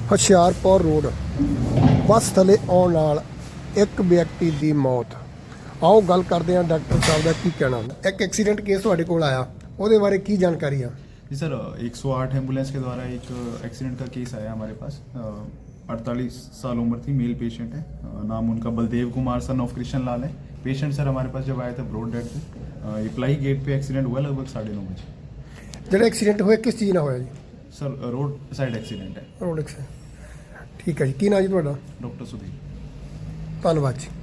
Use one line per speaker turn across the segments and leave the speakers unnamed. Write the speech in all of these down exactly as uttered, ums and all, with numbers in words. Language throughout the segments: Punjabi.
ਹੁਸ਼ਿਆਰਪੁਰ ਰੋਡ ਬੱਸ ਥੱਲੇ ਆਉਣ ਨਾਲ ਇੱਕ ਵਿਅਕਤੀ ਦੀ ਮੌਤ। ਆਓ ਗੱਲ ਕਰਦੇ हैं डॉक्टर साहब का की कहना। एक एक्सीडेंट केस ਤੁਹਾਡੇ ਕੋਲ आया, ਉਹਦੇ ਬਾਰੇ ਕੀ ਜਾਣਕਾਰੀ ਆ?
जी सर, एक सौ आठ एम्बुलेंस के द्वारा एक एक्सीडेंट का केस आया हमारे पास। अड़तालीस साल उम्र थी, मेल पेशेंट है। अ, नाम उनका बलदेव कुमार सन ऑफ कृष्ण लाल है। पेशेंट सर हमारे पास जब आए थे ब्रॉड डेड थे। इप्लाई गेट पे एक्सीडेंट हुआ लगभग साढ़े नौ बजे।
ਜਿਹੜਾ ਐਕਸੀਡੈਂਟ ਹੋਇਆ ਕਿਸ ਚੀਜ਼ ਨਾਲ ਹੋਇਆ ਜੀ?
सर रोड साइड एक्सीडेंट है।
Road accident. ਠੀਕ ਹੈ ਜੀ, ਕੀ ਨਾਂ ਜੀ ਤੁਹਾਡਾ?
डॉक्टर सुधीर।
ਧੰਨਵਾਦ ਜੀ।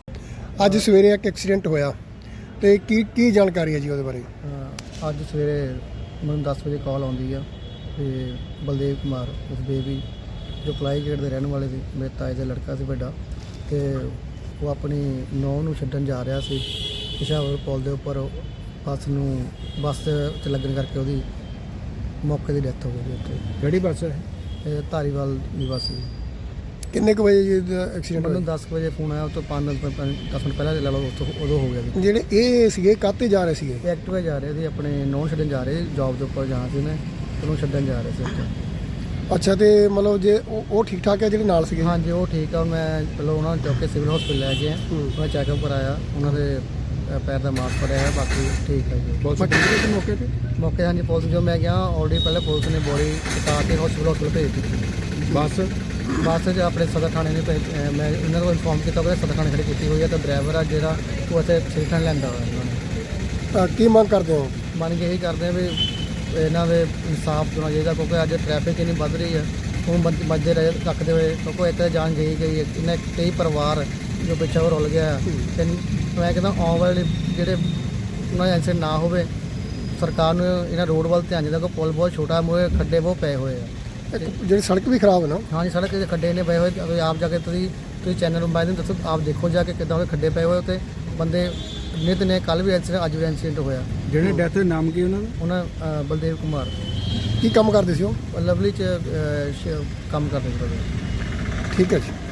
ਅੱਜ ਸਵੇਰੇ ਇੱਕ ਐਕਸੀਡੈਂਟ ਹੋਇਆ ਤੇ ਕੀ ਕੀ ਜਾਣਕਾਰੀ ਹੈ ਜੀ ਉਹਦੇ ਬਾਰੇ?
ਅ, ਅੱਜ ਸਵੇਰੇ ਮੈਨੂੰ ਦਸ ਵਜੇ ਕਾਲ ਆਉਂਦੀ ਆ ਤੇ ਬਲਦੇਵ ਕੁਮਾਰ ਉਸਦੇ ਵੀ ਜੋ ਪਲਾਈ ਗੇਟ ਦੇ ਰਹਿਣ ਵਾਲੇ ਸੀ, ਮੇਰੇ ਤਾਏ ਦਾ ਲੜਕਾ ਸੀ ਵੱਡਾ, ਤੇ ਉਹ ਆਪਣੀ ਨੌਂ ਨੂੰ ਛੱਡਣ ਜਾ ਰਿਹਾ ਸੀ ਪਿਸ਼ਾਵਰ ਪੁਲ ਦੇ ਉੱਪਰ। ਬੱਸ ਨੂੰ ਬੱਸ 'ਚ ਲੱਗਣ ਕਰਕੇ ਉਹਦੀ ਮੌਕੇ ਦੀ ਡੈਥ ਹੋ ਗਈ ਉੱਥੇ।
ਕਿਹੜੀ ਬੱਸ ਹੈ?
ਇਹ ਧਾਰੀਵਾਲ ਦੀ ਬੱਸ ਸੀ।
ਕਿੰਨੇ ਕੁ ਵਜੇ ਜੀ ਐਕਸੀਡੈਂਟ
ਮੈਨੂੰ
ਹੋਇਆ?
ਦਸ ਕੁ ਵਜੇ ਫੋਨ ਆਇਆ, ਉਸ ਤੋਂ ਪੰਜ ਦਸ ਮਿੰਟ ਪਹਿਲਾਂ ਲੈ ਲਓ, ਉੱਥੋਂ ਉਦੋਂ ਹੋ ਗਿਆ ਸੀ।
ਜਿਹੜੇ ਇਹ ਸੀਗੇ ਕਾਹਤੇ ਜਾ ਰਹੇ ਸੀਗੇ?
ਇਹ ਐਕਟਿਵਾ ਜਾ ਰਹੇ ਸੀ, ਆਪਣੇ ਨੌਂ ਛੱਡਣ ਜਾ ਰਹੇ ਜੌਬ ਦੇ ਉੱਪਰ ਜਾਣਾ ਸੀ ਨੇ, ਉਹਨੂੰ ਛੱਡਣ ਜਾ ਰਹੇ ਸੀ ਉੱਥੇ।
ਅੱਛਾ, ਤੇ ਮਤਲਬ ਜੇ ਉਹ ਉਹ ਠੀਕ ਠਾਕ ਹੈ ਜਿਹੜੇ ਨਾਲ ਸੀਗੇ?
ਹਾਂਜੀ ਉਹ ਠੀਕ ਆ। ਮੈਂ ਪਹਿਲਾਂ ਉਹਨਾਂ ਨੂੰ ਚੁੱਕ ਕੇ ਸਿਵਲ ਹਸਪੀਟਲ ਲੈ ਗਿਆ, ਉਹਨਾਂ ਚੈੱਕਅਪ ਕਰਾਇਆ, ਉਹਨਾਂ ਦੇ ਅ, ਪੈਰ ਦਾ ਮਾਸ ਪੜਿਆ ਹੈ, ਬਾਕੀ ਠੀਕ ਹੈ ਜੀ।
ਪੁਲਿਸ ਪਹੁੰਚੀ ਸੀ ਮੌਕੇ ਤੇ?
ਮੌਕੇ ਹਾਂਜੀ ਪੁਲਿਸ ਜੋ ਮੈਂ ਗਿਆ ਆਲਰੇਡੀ ਪਹਿਲੇ ਪੁਲਿਸ ਨੇ ਬੋਡੀ ਉਤਾਰ ਕੇ ਹਸਪੀਟਲ ਹਸਪੀਟਲ ਭੇਜ ਦਿੱਤੀ।
ਬੱਸ
ਬੱਸ 'ਚ ਆਪਣੇ ਸਦਰ ਥਾਣੇ ਨੇ ਭੇਜ ਅ, ਮੈਂ ਇਹਨਾਂ ਨੂੰ ਇਨਫੋਰਮ ਕੀਤਾ ਕਿ ਸਦਰ ਥਾਣੇ ਖੜੀ ਕੀਤੀ ਹੋਈ ਹੈ, ਤੇ ਡਰਾਈਵਰ ਆ ਜਿਹੜਾ ਉਹ ਇੱਥੇ ਸਿੱਖਣ ਲੈਂਦਾ ਹੋਇਆ ਉਹਨਾਂ ਨੇ।
ਤਾਂ ਕੀ ਮੰਗ ਕਰਦੇ ਹੋ?
ਮੰਨ ਕੇ ਇਹੀ ਕਰਦੇ ਆ ਵੀ ਇਹਨਾਂ ਦੇ ਇਨਸਾਫ ਹੋਣਾ ਚਾਹੀਦਾ, ਕਿਉਂਕਿ ਅੱਜ ਟ੍ਰੈਫਿਕ ਇੰਨੀ ਵੱਧ ਰਹੀ ਹੈ। ਹੁਣ ਮੱਦੇ ਰਹੇ ਰੱਖਦੇ ਹੋਏ, ਕਿਉਂਕਿ ਇੱਥੇ ਜਾਨ ਗਈ ਗਈ ਹੈ, ਇਹਨੇ ਕਈ ਪਰਿਵਾਰ ਜੋ ਪਿੱਛੇ ਉਹ ਰੁਲ ਗਿਆ। ਤੇ ਮੈਂ ਕਹਿੰਦਾ ਆਉਣ ਵਾਲੇ ਜਿਹੜੇ ਉਹਨਾਂ ਦਾ ਐਕਸੀਡੈਂਟ ਨਾ ਹੋਵੇ, ਸਰਕਾਰ ਨੂੰ ਇਹਨਾਂ ਰੋਡ ਵੱਲ ਧਿਆਨ ਦੇਣਾ, ਕਿਉਂਕਿ ਪੁਲ ਬਹੁਤ ਛੋਟਾ, ਮੂਹਰੇ ਖੱਡੇ ਬਹੁਤ ਪਏ ਹੋਏ ਆ।
ਇੱਕ ਜਿਹੜੀ ਸੜਕ ਵੀ ਖਰਾਬ ਹੈ ਨਾ?
ਹਾਂਜੀ ਸੜਕ ਦੇ ਖੱਡੇ ਨੇ ਪਏ ਹੋਏ, ਅਗਰ ਆਪ ਜਾ ਕੇ ਤੁਸੀਂ ਤੁਸੀਂ ਚੈਨਲ ਨੂੰ ਬਾਅਦ ਦੱਸੋ, ਆਪ ਦੇਖੋ ਜਾ ਕੇ ਕਿੱਦਾਂ ਉਹਦੇ ਖੱਡੇ ਪਏ ਹੋਏ ਉੱਤੇ। ਬੰਦੇ ਨਿਤ ਨੇ, ਕੱਲ੍ਹ ਵੀ ਐਕਸੀਡੈਂਟ, ਅੱਜ ਵੀ ਐਕਸੀਡੈਂਟ ਹੋਇਆ।
ਜਿਹੜੇ ਡੈਥ ਹੋਏ ਨਾਮ ਕੀ ਉਹਨਾਂ ਦਾ?
ਉਹਨਾਂ ਅ, ਬਲਦੇਵ ਕੁਮਾਰ
ਕੀ ਕੰਮ ਕਰਦੇ ਸੀ ਉਹ?
ਲਵਲੀ 'ਚ ਅ, ਸ਼- ਕੰਮ ਕਰਦੇ ਸੀ।
ਠੀਕ ਹੈ ਜੀ।